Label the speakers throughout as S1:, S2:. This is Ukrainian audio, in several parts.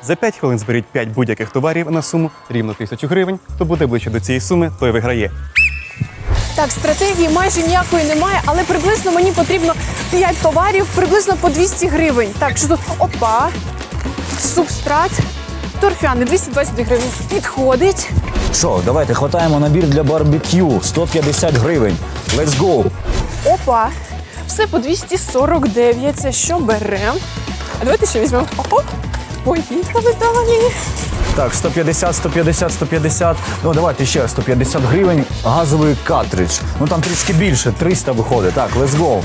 S1: За 5 хвилин зберіть 5 будь-яких товарів на суму рівно 1000 гривень. Хто буде ближче до цієї суми, той виграє.
S2: Так, стратегії майже ніякої немає, але приблизно мені потрібно 5 товарів, приблизно по 200 гривень. Так, що тут? Опа, субстрат, торфяний, 220 гривень. Підходить.
S3: Що, давайте хватаємо набір для барбекю. 150 гривень. Let's go!
S2: Опа, все по 249. Це що беремо? А давайте ще візьмемо. О, поїхали далі.
S3: Так, 150, 150, 150. Ну, давайте ще 150 гривень. Газовий картридж. Ну, там трішки більше, 300 виходить. Так, let's go.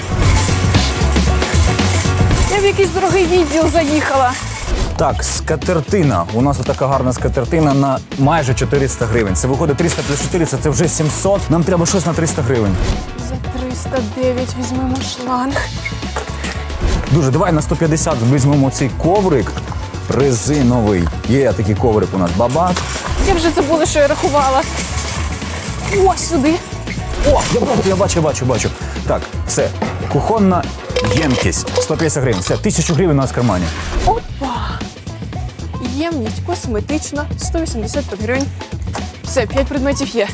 S2: Я в якийсь дорогий відділ заїхала.
S3: Так, скатертина. У нас така гарна скатертина на майже 400 гривень. Це виходить 300 плюс 400, це вже 700. Нам треба щось на 300 гривень.
S2: За 309 візьмемо шланг.
S3: Дуже, давай на 150 візьмемо цей коврик резиновий. Є такий коврик у нас. Бабак.
S2: Я вже забула, що я рахувала. О, сюди.
S3: О, я бачу. Так, все. Кухонна ємкість. 150 гривень. Все, 1000 гривень у нас в кармані.
S2: Опа. Ємність косметична, 185 гривень. Все, 5 предметів є.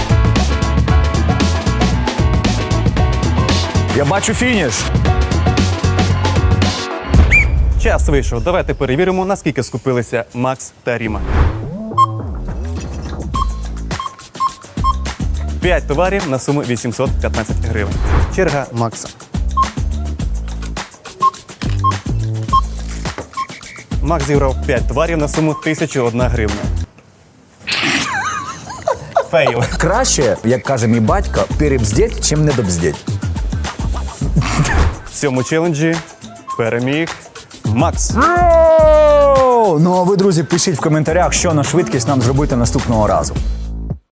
S3: Я бачу фініш.
S1: Час вийшов. Давайте перевіримо, наскільки скупилися Макс та Ріма. 5 товарів на суму 815 гривень. Черга Макса. Макс зібрав 5 товарів на суму 1001 гривня. Фейл.
S3: Краще, як каже мій батько, перебздеть, чим недобздеть.
S1: В цьому челенджі переміг Макс.
S3: Ну а ви, друзі, пишіть в коментарях, що на швидкість нам зробити наступного разу.